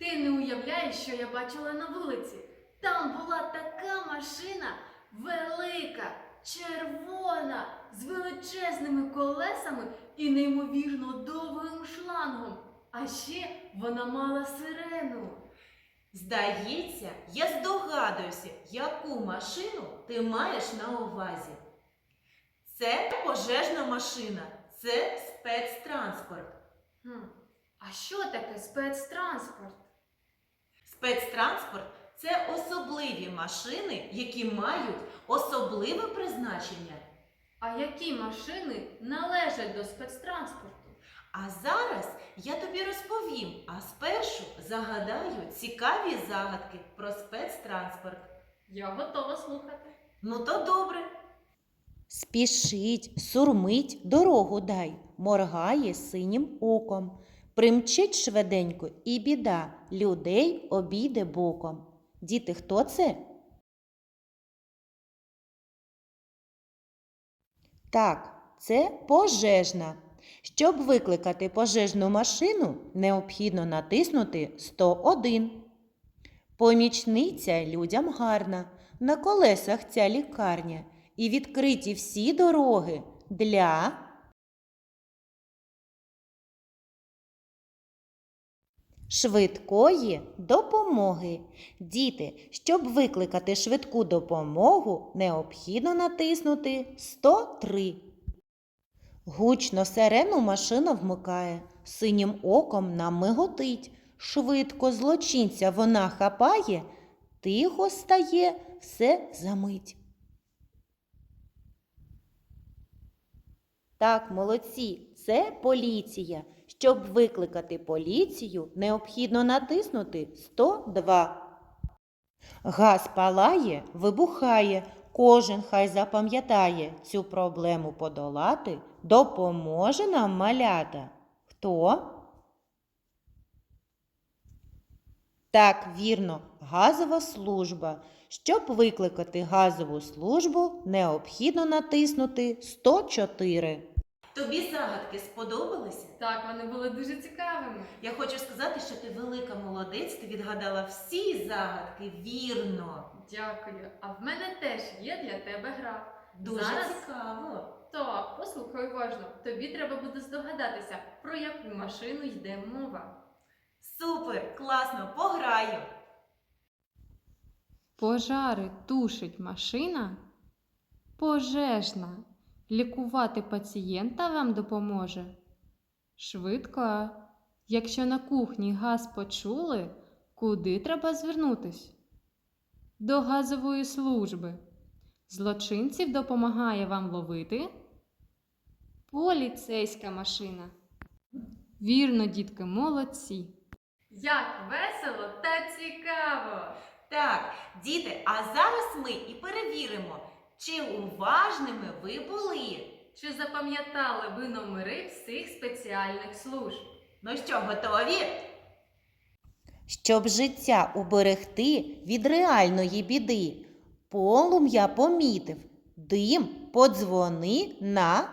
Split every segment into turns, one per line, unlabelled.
Ти не уявляєш, що я бачила на вулиці. Там була така машина велика, червона, з величезними колесами і неймовірно довгим шлангом. А ще вона мала сирену.
Здається, я здогадуюся, яку машину ти маєш на увазі. Це пожежна машина, це спецтранспорт.
А що таке спецтранспорт?
Спецтранспорт – це особливі машини, які мають особливе призначення.
А які машини належать до спецтранспорту?
А зараз я тобі розповім, а спершу загадаю цікаві загадки про спецтранспорт.
Я готова слухати.
Ну то добре.
Спішить, сурмить, дорогу дай, моргає синім оком. Примчить швиденько і біда, людей обійде боком. Діти, хто це? Так, це пожежна. Щоб викликати пожежну машину, необхідно натиснути 101. Помічниця людям гарна, на колесах ця лікарня. І відкриті всі дороги для швидкої допомоги. Діти, щоб викликати швидку допомогу, необхідно натиснути 103. Гучно сирену машина вмикає, синім оком нам миготить. Швидко злочинця вона хапає, тихо стає все замить. Так, молодці, це поліція. Щоб викликати поліцію, необхідно натиснути 102. Газ палає, вибухає. Кожен хай запам'ятає, цю проблему подолати допоможе нам малята. Хто? Так, вірно, газова служба. Щоб викликати газову службу, необхідно натиснути 104.
Тобі загадки сподобалися?
Так, вони були дуже цікавими.
Я хочу сказати, що ти велика молодець, ти відгадала всі загадки вірно.
Дякую. А в мене теж є для тебе гра.
Дуже
Зараз?
цікаво.
Так, послухай уважно. Тобі треба буде здогадатися, про яку машину йде мова.
Супер, класно, пограю.
Пожари тушить машина пожежна. Лікувати пацієнта вам допоможе швидко. Якщо на кухні газ почули, куди треба звернутись? До газової служби. Злочинців допомагає вам ловити поліцейська машина. Вірно, дітки, молодці.
Як весело та цікаво!
Так, діти, а зараз ми і перевіримо, чи уважними ви були.
Чи запам'ятали ви номери всіх спеціальних служб?
Ну що, готові?
Щоб життя уберегти від реальної біди, полум'я помітив, дим подзвони на...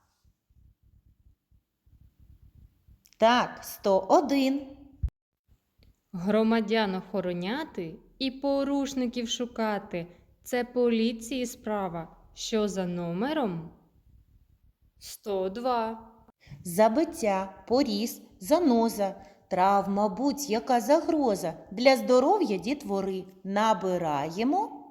Так, 101.
Громадян охороняти і порушників шукати – це поліції справа, що за номером 102.
Забиття, поріз, заноза, травма, будь-яка загроза для здоров'я дітвори. Набираємо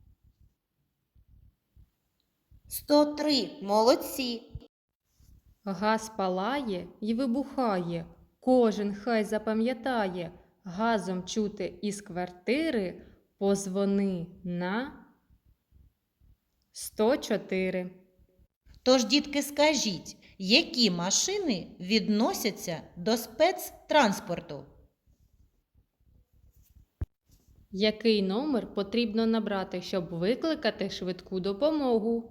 103. Молодці.
Газ палає і вибухає, кожен хай запам'ятає, газом чути із квартири, позвони на 104.
Тож, дітки, скажіть, які машини відносяться до спецтранспорту?
Який номер потрібно набрати, щоб викликати швидку допомогу?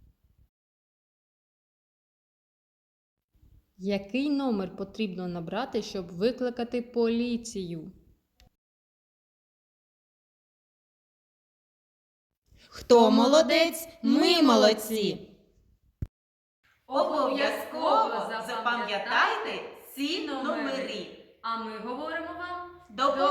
Який номер потрібно набрати, щоб викликати поліцію?
Хто молодець? Ми молодці!
Обов'язково запам'ятайте ці номери.
А ми говоримо вам
До До